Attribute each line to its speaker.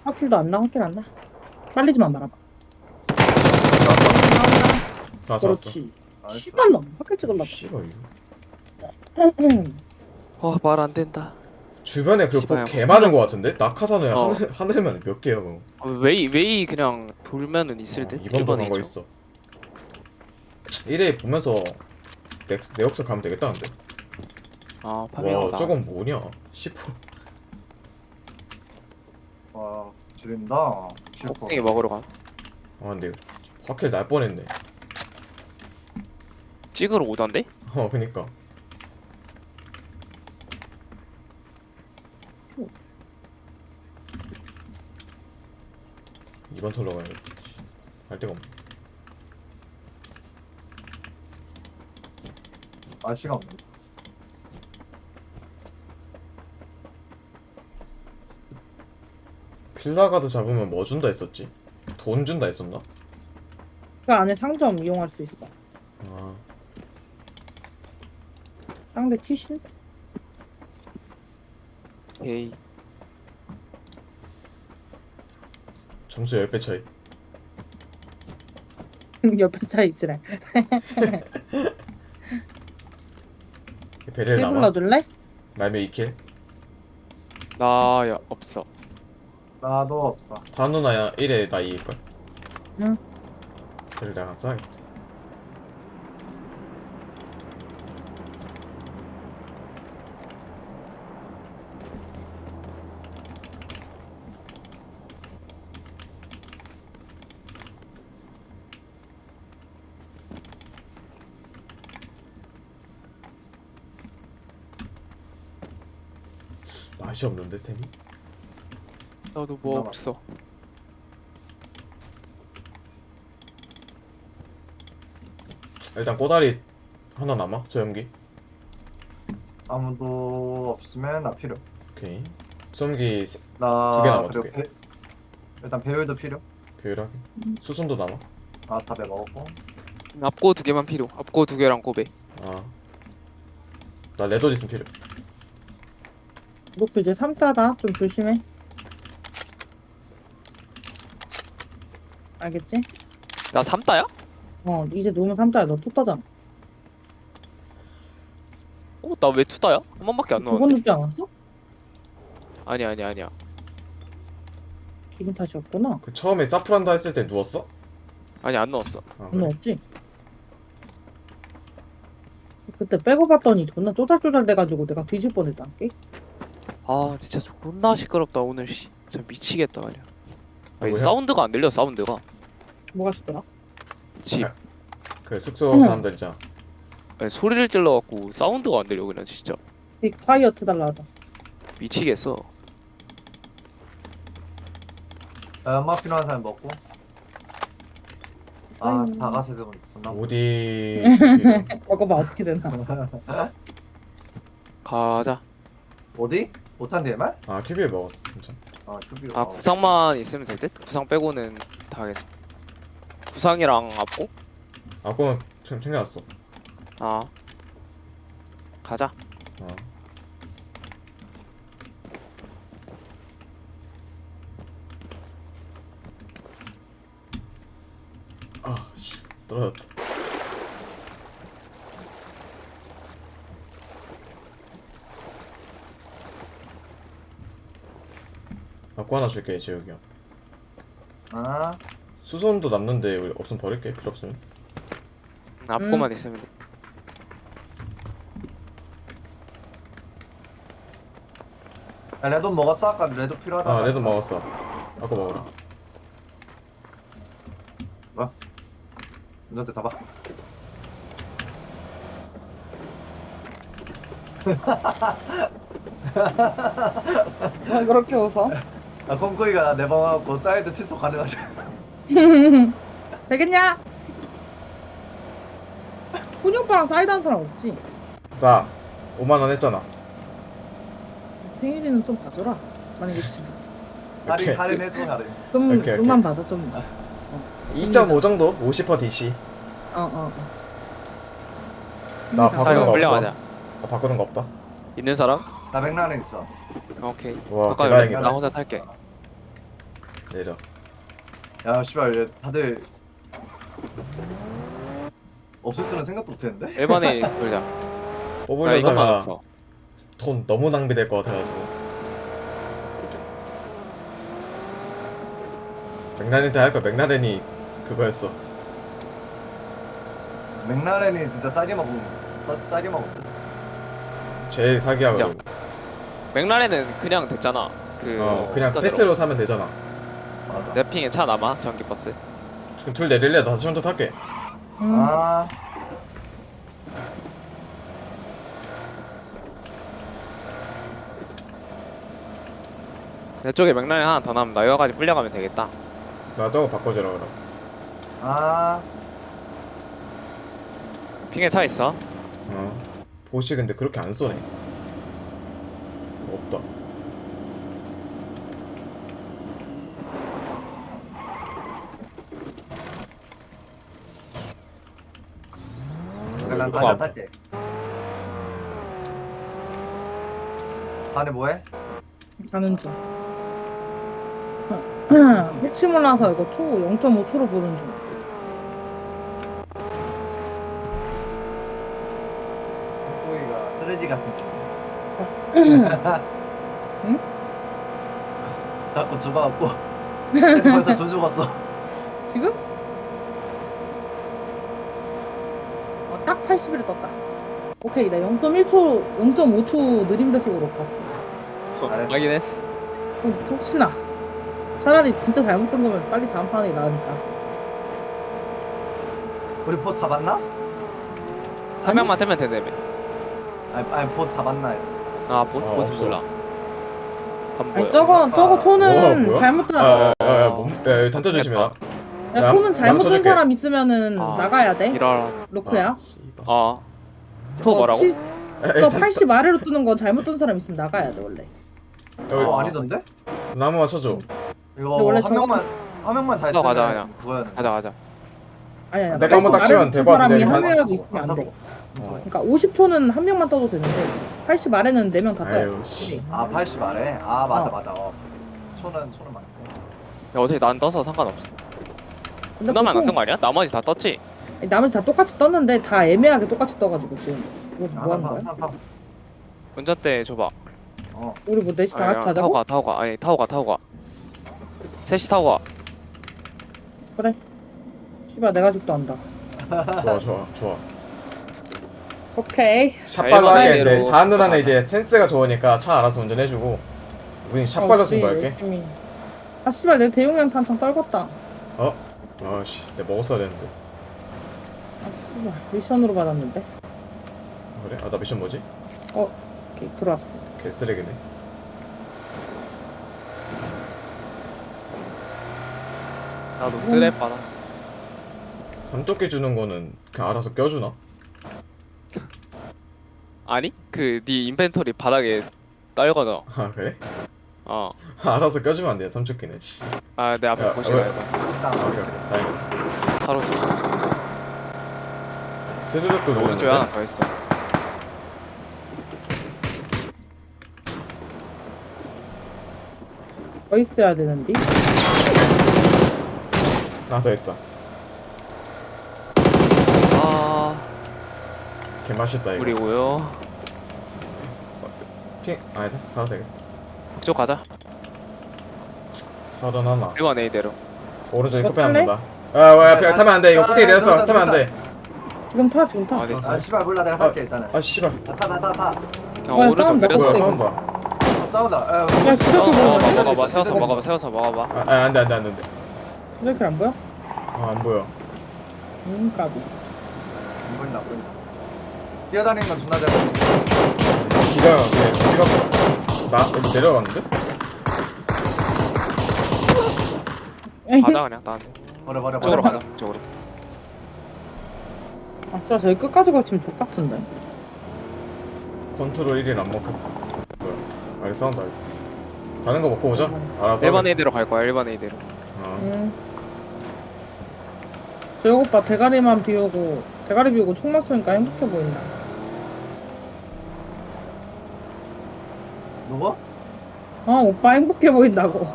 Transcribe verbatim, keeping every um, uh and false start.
Speaker 1: 확킬도 안 나, 확킬 안 나. 빨리지만 말아봐.
Speaker 2: 나왔어 나왔어.
Speaker 1: 그렇지.
Speaker 3: 나이스.
Speaker 1: 시발로 확킬 찍을라.
Speaker 2: 씨발 이거.
Speaker 4: 어, 말 안 된다.
Speaker 2: 주변에 그거
Speaker 4: 씨발,
Speaker 2: 개 많은 거 같은데? 낙하산에
Speaker 4: 어.
Speaker 2: 하늘, 하늘만 몇 개야 그거.
Speaker 4: 어, 웨이 웨이 그냥 돌면은 있을 듯.
Speaker 2: 어, 이번 번한 거
Speaker 4: 있죠.
Speaker 2: 있어. 일 회 보면서 내, 내 역사 가면 되겠다는데?
Speaker 4: 아,
Speaker 2: 와
Speaker 4: 파밍하다.
Speaker 2: 저건 뭐냐? 십 호.
Speaker 3: 와 지린다.
Speaker 4: 껍데기 먹으러 가.
Speaker 2: 아 근데 확킬 날 뻔했네.
Speaker 4: 찍으러 오던데?
Speaker 2: 어 그니까. 이번 털러 가야겠다. 갈 데가 없네.
Speaker 3: 날씨가 없네.
Speaker 2: 필라가드 잡으면 뭐 준다 했었지? 돈 준다 했었나?
Speaker 1: 그 안에 상점 이용할 수 있어.
Speaker 2: 아
Speaker 1: 상대 치신?
Speaker 4: 에이.
Speaker 2: 점수 십 배 차이.
Speaker 1: 옆에 차 있지래.
Speaker 2: 베릴
Speaker 1: 일
Speaker 2: 남아?
Speaker 1: 불러줄래?
Speaker 2: 날매 이 킬?
Speaker 4: 나야 없어.
Speaker 3: 나도 없어.
Speaker 2: 다음 누나야 일 회 나 이길걸?
Speaker 1: 응.
Speaker 2: 베릴 내가 안 써야겠다. 맛이 없는데 템이?
Speaker 4: 나도 뭐
Speaker 3: 남았어.
Speaker 4: 없어.
Speaker 2: 일단 꼬다리 하나 남아? 소염기?
Speaker 3: 아무도 없으면 나 필요.
Speaker 2: 오케이. 소염기 세-
Speaker 3: 나
Speaker 2: 두개 남아,
Speaker 3: 그리고
Speaker 2: 두 개.
Speaker 3: 배, 일단 배율도 필요.
Speaker 2: 배율하게. 수순도 남아?
Speaker 3: 아 사 배 먹었고.
Speaker 4: 앞고 두 개만 필요. 앞고 두 개랑 고배.
Speaker 2: 아. 나 레더디슨 필요.
Speaker 1: 목표 이제 삼 따다. 좀 조심해. 알겠지?
Speaker 4: 나 삼 따야?
Speaker 1: 어, 이제 놓으면 삼 따야. 너 툭 따잖아.
Speaker 4: 어, 나 왜 투 따야? 한 번밖에 안
Speaker 1: 두 번
Speaker 4: 넣었는데.
Speaker 1: 눕지 않았어?
Speaker 4: 아니야, 아니야, 아니야.
Speaker 1: 기분 탓이었구나.
Speaker 2: 그 처음에 사프란다 했을 때 누웠어?
Speaker 4: 아니 안 넣었어.
Speaker 2: 아,
Speaker 1: 너
Speaker 2: 그래.
Speaker 1: 없지? 그때 빼고 봤더니 존나 쪼잘쪼잘 돼가지고 내가 뒤질 뻔했다. 게
Speaker 4: 아, 진짜 존나 시끄럽다 오늘 씨. 진짜 미치겠다 그냥. 아니,
Speaker 2: 뭐야?
Speaker 4: 사운드가 안 들려 사운드가.
Speaker 1: 뭐가 싶더라?
Speaker 4: 집.
Speaker 2: 그 숙소
Speaker 1: 응.
Speaker 2: 사람들 있잖아.
Speaker 4: 아니, 소리를 질러갖고 사운드가 안 들려 그냥 진짜.
Speaker 1: 빅 파이어 트달라 하다.
Speaker 4: 미치겠어.
Speaker 3: 나 연막 필요한 사람 먹고. 아 자가세좀 존나.
Speaker 2: 어디 새끼를.
Speaker 1: 먹어봐 어떻게 되나.
Speaker 4: 가자.
Speaker 3: 어디? 못한 디엠알?
Speaker 2: 아 큐비에 먹었어 진짜.
Speaker 3: 아 큐비.
Speaker 4: 아 구상만 있으면 될 듯? 구상 빼고는 다 하겠네. 구상이랑 앞고?
Speaker 2: 아 그건 좀 챙겨놨어.
Speaker 4: 아 가자.
Speaker 2: 어. 아, 씨, 떨어졌다. 갖고 하나 줄게, 재욱이 형.
Speaker 3: 아
Speaker 2: 수선도 남는데 우리 없으면 버릴게, 필요 없으면.
Speaker 4: 앞고만 있으면 돼.
Speaker 3: 야, 레드 먹었어? 아까 레드 필요하다.
Speaker 2: 아, 레드 먹었어. 아까 먹어라.
Speaker 3: 뭐야? 운전대 잡아.
Speaker 1: 왜 그렇게 웃어?
Speaker 3: 아 콩코이가 내 방하고 사이드 칫솔 가능하지.
Speaker 1: 되겠냐? 훈이 오빠랑 사이드 한 사람 없지?
Speaker 2: 나 오만 원 했잖아.
Speaker 1: 생일이는 좀 봐줘라. 만약에 지금
Speaker 3: 할인
Speaker 2: 오케이.
Speaker 3: 할인 해줘 할인.
Speaker 1: 좀
Speaker 2: 오케이, 오케이.
Speaker 1: 좀만 받아 좀.
Speaker 2: 이 점 오 정도? 오십 퍼센트 디씨.
Speaker 1: 어 어. 어.
Speaker 2: 나
Speaker 1: 그러니까.
Speaker 2: 바꾸는
Speaker 4: 자 이거
Speaker 2: 거
Speaker 4: 끌려가자.
Speaker 2: 없어. 나 바꾸는 거 없다.
Speaker 4: 있는 사람?
Speaker 3: 나 맥라렌 있어.
Speaker 4: 오케이.
Speaker 2: 와,
Speaker 4: 잠깐
Speaker 2: 대단하겠다.
Speaker 4: 나 혼자 탈게.
Speaker 2: 내려.
Speaker 3: 야 씨발 얘 다들 없을 줄은 생각도 못했는데.
Speaker 4: 일 번에 돌자. 나 이것만
Speaker 2: 뽑으려다가
Speaker 4: 없어.
Speaker 2: 돈 너무 낭비될 것 같아가지고. 맥라렌한테 할까? 맥라렌이 그거였어.
Speaker 3: 맥라렌이 진짜 싸게 먹은 싸, 싸게 먹었대.
Speaker 2: 제일 사기하고.
Speaker 4: 맥라렌은 그냥 됐잖아. 그
Speaker 2: 어 그냥
Speaker 4: 어떤
Speaker 2: 패스로 사면 되잖아.
Speaker 3: 맞아.
Speaker 4: 데로? 랩핑에 차 남아 전기 버스.
Speaker 2: 지금 둘 내릴래? 나 다시 혼자 탈게.
Speaker 1: 음.
Speaker 3: 아
Speaker 4: 내 쪽에 맥라렌 하나 더 남으면 나 여기까지 불려가면 되겠다.
Speaker 2: 나 저거 바꿔주라 그럼.
Speaker 3: 아.
Speaker 4: 핑에 차 있어.
Speaker 2: 어. 보시 근데 그렇게 안 쏘네. 없다.
Speaker 3: 그래 난
Speaker 2: 이거
Speaker 3: 가자
Speaker 4: 봐.
Speaker 3: 탈게. 반에 뭐해?
Speaker 1: 가는 중. 혹시 몰라서 이거 초 영 점 오 초로 보는 중.
Speaker 3: 꼬이가 쓰레기 같은 중.
Speaker 1: 응?
Speaker 3: 자꾸 죽어갖고 벌써 돈 죽었어.
Speaker 1: 지금? 어, 딱 팔십 일 떴다. 오케이, 나 영 점 일 초, 영 점 오 초 느림 배속으로 봤어.
Speaker 3: 잘했어.
Speaker 4: 확인 했어.
Speaker 1: 어, 혹시나. 차라리 진짜 잘못 뜬 거면 빨리 다음 판에 나으니까.
Speaker 3: 우리 포 잡았나?
Speaker 4: 한
Speaker 1: 아니?
Speaker 4: 명만 뜨면 되네.
Speaker 3: 아니, 아니 포 잡았나?
Speaker 4: 아, 뭐,
Speaker 2: 어,
Speaker 4: 뭐지
Speaker 2: 없어.
Speaker 4: 몰라. 안 보여.
Speaker 1: 아니, 저거, 저거 초는
Speaker 2: 뭐야, 뭐야?
Speaker 1: 잘못 뜬,
Speaker 2: 아, 야, 야, 야, 몸, 야, 야, 단자 조심해라.
Speaker 1: 야,
Speaker 2: 나-
Speaker 1: 초는
Speaker 2: 나도
Speaker 1: 잘못 뜬
Speaker 2: 쳐줄게.
Speaker 1: 사람 있으면은
Speaker 4: 아,
Speaker 1: 나가야 돼.
Speaker 4: 이러라.
Speaker 1: 로크야.
Speaker 2: 아, 씨발.
Speaker 4: 어.
Speaker 1: 저
Speaker 4: 저 뭐라고?
Speaker 1: 칠-
Speaker 2: 야,
Speaker 1: 저
Speaker 2: 일단
Speaker 1: 팔십 아래로 뜨는 건 잘못 뜬 사람 있으면 나가야 돼, 원래.
Speaker 2: 여기
Speaker 3: 어 아니던데?
Speaker 2: 나무만 쳐줘.
Speaker 3: 이거
Speaker 1: 근데 원래
Speaker 3: 한
Speaker 1: 저거-
Speaker 3: 명만 한 명만 잘
Speaker 4: 어,
Speaker 3: 뜨면
Speaker 4: 가자, 그냥.
Speaker 3: 그거였는데.
Speaker 4: 가자 가자.
Speaker 1: 아니, 아니.
Speaker 2: 내가 한번 딱 치면 될것 같은데,
Speaker 1: 사람이 한
Speaker 2: 일단-
Speaker 1: 명이라도 있으면 안 돼.
Speaker 2: 어.
Speaker 1: 그러니까 오십 초는 한 명만 떠도 되는데 팔십 아래는 네 명 다 떠요.
Speaker 2: 아유, 씨.
Speaker 3: 아 팔십 아래? 아 맞아
Speaker 1: 어.
Speaker 3: 맞아. 어. 초는 초는 맞고.
Speaker 4: 야, 어차피 난 떠서 상관없어.
Speaker 1: 근데
Speaker 4: 나만 안
Speaker 1: 보통
Speaker 4: 뜬 거 아니야? 나머지 다 떴지?
Speaker 1: 나머지 다 똑같이 떴는데 다 애매하게 똑같이 떠가지고 지금 뭐, 뭐 하는 거야?
Speaker 3: 아, 파, 파, 파.
Speaker 4: 운전대 줘봐.
Speaker 3: 어.
Speaker 1: 우리 뭐 넷이 다
Speaker 4: 아니,
Speaker 1: 같이
Speaker 4: 타고
Speaker 1: 가자고?
Speaker 4: 가, 타고 가. 아니, 타고 가, 타고 가. 셋이 타고 가.
Speaker 1: 그래. 씨발 내가 집도 안다.
Speaker 2: 좋아, 좋아, 좋아.
Speaker 1: 오케이.
Speaker 2: 샷발로
Speaker 4: 일반
Speaker 2: 하겠는데
Speaker 4: 아이디로
Speaker 2: 다음 누나는
Speaker 4: 가자.
Speaker 2: 이제 센스가 좋으니까 차 알아서 운전해주고 우린 샷발로
Speaker 1: 어,
Speaker 2: 승부할게.
Speaker 1: 우리 열심히. 아 씨발 내 대용량 탄창 떨궜다.
Speaker 2: 어? 아씨, 내가 먹었어야 되는데.
Speaker 1: 아 씨발 미션으로 받았는데.
Speaker 2: 그래? 아, 나 미션 뭐지?
Speaker 1: 어 오케이 들어왔어.
Speaker 2: 개쓰레기네.
Speaker 4: 나도 쓰레 빠나.
Speaker 2: 삼조끼 주는 거는 그냥 알아서 껴주나?
Speaker 4: 아니? 그 네 인벤토리 바닥에 떨궈져.
Speaker 2: 아, 그래?
Speaker 4: 어.
Speaker 2: 알아서 껴주면 안 돼, 삼조끼는. 씨.
Speaker 4: 아, 내 앞에
Speaker 2: 야,
Speaker 4: 보시라
Speaker 2: 왜?
Speaker 4: 해봐.
Speaker 2: 아, 오케이, 오케이. 다행이다.
Speaker 4: 바로 쏘.
Speaker 2: 스르륵도
Speaker 4: 오른쪽에 하나
Speaker 2: 놀랐는데?
Speaker 4: 더 있어.
Speaker 1: 더 있어야 되는데.
Speaker 2: 하나 더 있다.
Speaker 4: 아,
Speaker 2: 개맛있다, 이거.
Speaker 4: 우리고요.
Speaker 2: 핑, 아니다. 가도 되겠다.
Speaker 4: 그쪽 가자.
Speaker 2: 서른 하나.
Speaker 4: 일 번 A대로.
Speaker 2: 오른쪽에
Speaker 1: 이거
Speaker 2: 끝에 하면
Speaker 1: 탈래?
Speaker 2: 된다. 아, 왜, 그냥 타면 안 돼. 이거 꼭대기 내렸어.
Speaker 3: 들었어,
Speaker 2: 타면 안 돼.
Speaker 1: 지금 타 지금 타.
Speaker 4: 아, 됐어.
Speaker 3: 아 씨발 몰라 내가 살게 일단은.
Speaker 2: 아, 씨발.
Speaker 3: 타타타 타.
Speaker 4: 야,
Speaker 1: 뭐야,
Speaker 4: 오른쪽
Speaker 1: 싸움
Speaker 4: 내려서.
Speaker 2: 뭐야,
Speaker 1: 먹었어,
Speaker 2: 싸운다.
Speaker 3: 어, 싸우다. 야,
Speaker 1: 야,
Speaker 3: 먹었어.
Speaker 1: 진짜
Speaker 4: 어,
Speaker 1: 그거
Speaker 4: 먹어봐,
Speaker 1: 먹었어.
Speaker 4: 먹어봐, 세워서 먹어봐, 세워서 먹어봐.
Speaker 2: 아, 아, 안 돼, 안 돼, 안 돼. 안 돼.
Speaker 1: 이렇게 안 보여?
Speaker 2: 아, 안 보여.
Speaker 1: 음 까비.
Speaker 3: 안 보인다 안 보인다. 뛰어다니는 건 존나 잘 보인다.
Speaker 2: 기가, 그냥, 기가, 나, 여기 내려갔는데?
Speaker 4: 가자 그냥 나한테.
Speaker 3: 버려 버려
Speaker 4: 쪽으로
Speaker 3: 버려.
Speaker 4: 가자. 쪽으로.
Speaker 1: 아 진짜 저기 끝까지 걸치면 족 같은데.
Speaker 2: 컨트롤 일 일 안 먹겠다. 뭐야. 아, 이거 싸운다, 이거. 다른 거 먹고 오자. 알아서.
Speaker 4: 일 번 A대로 갈 거야. 일 번 A대로.
Speaker 2: 어.
Speaker 1: 음. 저 오빠 대가리만 비우고 대가리 비우고 총만 쏘니까 행복해 보인다.
Speaker 3: 누구?
Speaker 1: 어 오빠 행복해 보인다고.